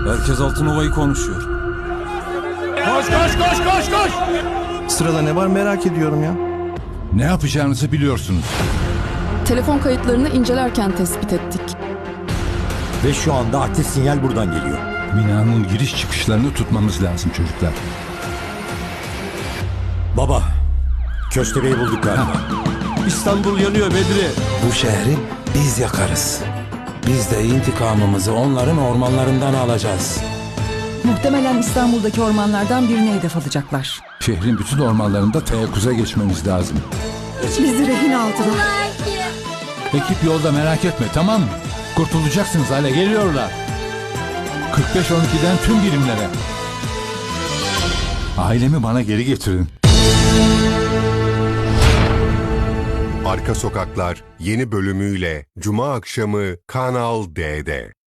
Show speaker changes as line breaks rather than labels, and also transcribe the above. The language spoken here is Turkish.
Herkes Altınova'yı konuşuyor.
Koş koş koş koş koş!
Sırada ne var merak ediyorum ya.
Ne yapacağınızı biliyorsunuz.
Telefon kayıtlarını incelerken tespit ettik.
Ve şu anda aktif sinyal buradan geliyor.
Binanın giriş çıkışlarını tutmamız lazım çocuklar.
Baba, Köstebeği bulduk galiba.
İstanbul yanıyor Bedri.
Bu şehri biz yakarız. Biz de intikamımızı onların ormanlarından alacağız.
Muhtemelen İstanbul'daki ormanlardan birine hedef alacaklar.
Şehrin bütün ormanlarında teyakkuza geçmemiz lazım.
Bizi rehin aldılar.
Ekip yolda, merak etme, tamam mı? Kurtulacaksınız, hale geliyorlar. 45-12'den tüm birimlere. Ailemi bana geri getirin.
Arka Sokaklar yeni bölümüyle Cuma akşamı Kanal D'de.